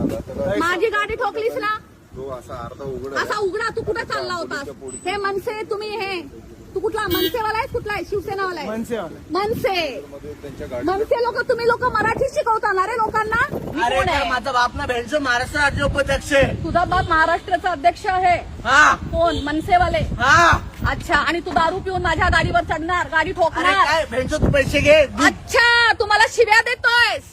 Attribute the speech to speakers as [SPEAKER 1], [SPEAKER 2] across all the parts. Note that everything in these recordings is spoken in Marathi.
[SPEAKER 1] माझी गाडी ठोकलीस ना,
[SPEAKER 2] तो असा अर्धा उघड
[SPEAKER 1] असा उघडा. तू कुठे चालला होतास? हे मनसे तुम्ही हे तू कुठला मनसेवाला आहे? कुठला आहे? शिवसेनावाला आहे? मनसे. मनसे लोक तुम्ही लोक मराठी शिकवता रे लोकांना?
[SPEAKER 3] अरे
[SPEAKER 1] कोण आहे?
[SPEAKER 3] माझा बाप ना भेंडचं महाराष्ट्र राज्य उपाध्यक्ष आहे.
[SPEAKER 1] तुझा बाप महाराष्ट्राचा अध्यक्ष आहे?
[SPEAKER 3] हा
[SPEAKER 1] कोण? मनसेवाले?
[SPEAKER 3] हा.
[SPEAKER 1] अच्छा. आणि तू दारू पिऊन माझ्या गाडीवर चढणार, गाडी
[SPEAKER 3] अरे
[SPEAKER 1] ठोकणार?
[SPEAKER 3] काय भेंडचं तू पैसे घे.
[SPEAKER 1] अच्छा, तू मला शिव्या देतोयस?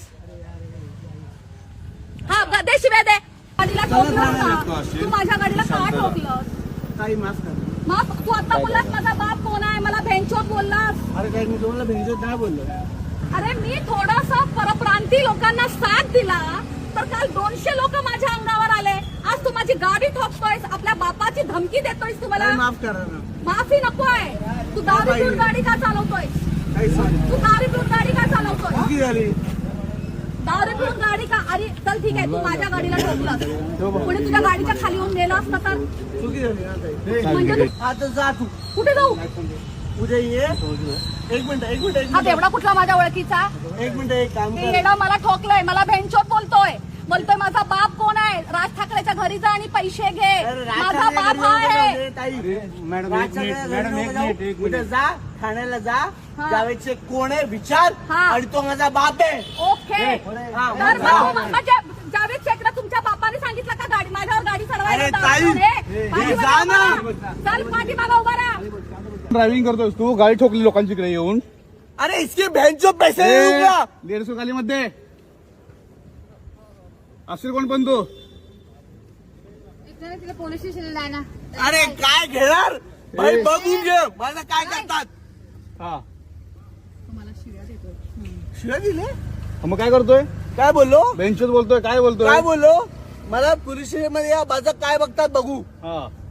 [SPEAKER 1] हा दे शिव्या दे. गाडीला ठोकलं का? तू माझ्या गाडीला का ठोकलं?
[SPEAKER 3] काही माफ कर.
[SPEAKER 1] मग तू आता बोललास माझा बाप कोण आहे, मला भेंचोत बोललास.
[SPEAKER 3] अरे काय मी तुम्हाला भेंडचं नाही बोललो.
[SPEAKER 1] अरे मी थोडासा परप्रांती लोकांना साथ दिला तर काल 200 लोक माझ्या अंगावर आले. आज तू माझी गाडी ठोकतोयस, आपल्या बापाची धमकी देतोयस. तू मला
[SPEAKER 3] माफ करा ना.
[SPEAKER 1] माफी नकोय. तू दारू पिऊन गाडी का चालवतोयस?
[SPEAKER 3] काही सांग.
[SPEAKER 1] तू दारू पिऊन गाडी का चालवतोय?
[SPEAKER 3] चुकी झाली.
[SPEAKER 1] दारू पिऊन गाडी का? अरे चल ठीक आहे, तू माझ्या गाडीला ठोकलास. कोणी तुझ्या गाडीच्या खाली येऊन नेलं असतं तर?
[SPEAKER 3] चुकी झाली ना ताई.
[SPEAKER 1] म्हणजे तू
[SPEAKER 3] आता जा तू.
[SPEAKER 1] कुठे जाऊ?
[SPEAKER 3] उद्या ये. एक मिनिट.
[SPEAKER 1] हा तेवढा कुठला माझ्या ओळखीचा?
[SPEAKER 3] एक मिनिट एक काम
[SPEAKER 1] ते
[SPEAKER 3] कर.
[SPEAKER 1] येडा मला ठोकलंय, मला भेंचोत बोलतोय माझा बाप कोण आहे? राज ठाकरेच्या घरी जा आणि पैसे घे.
[SPEAKER 3] अरे
[SPEAKER 1] माझा बाप हा आहे.
[SPEAKER 3] मॅडम उद्या जा ठाण्याला जा. जावेदचे कोण आहे विचार.
[SPEAKER 1] हा.
[SPEAKER 3] आणि तो माझा बाप आहे.
[SPEAKER 1] ओके.
[SPEAKER 3] हा,
[SPEAKER 1] तर
[SPEAKER 3] जा.
[SPEAKER 1] म्हणजे जावेद शेखला तुमच्या बापाने सांगितलं का गाडी माझ्यावर गाडी चढवायला?
[SPEAKER 3] अरे
[SPEAKER 1] दारू
[SPEAKER 3] ताई,
[SPEAKER 1] रे. पाठीमागे
[SPEAKER 3] जा ना.
[SPEAKER 1] उभा राहा. चल पाठीमागे उभा राहा.
[SPEAKER 4] ड्रायव्हिंग करतोस तू, गाडी ठोकली लोकांची इकडे येऊन.
[SPEAKER 3] अरे इसके भेंडचो पैसे देऊ का?
[SPEAKER 4] 150 खाली मध्ये असेल कोण पण तू.
[SPEAKER 5] तिला पोलीस स्टेशनला आहे ना.
[SPEAKER 3] अरे काय घेणार भाई बघून घे मला काय करतात.
[SPEAKER 4] हा
[SPEAKER 3] शिव्या दिले.
[SPEAKER 4] मग काय करतोय?
[SPEAKER 3] काय बोललो
[SPEAKER 4] बेंचच बोलतोय, काय बोलतोय?
[SPEAKER 3] काय बोललो मला पोलीस स्टेशन मध्ये या माझं काय बघतात बघू.
[SPEAKER 4] हा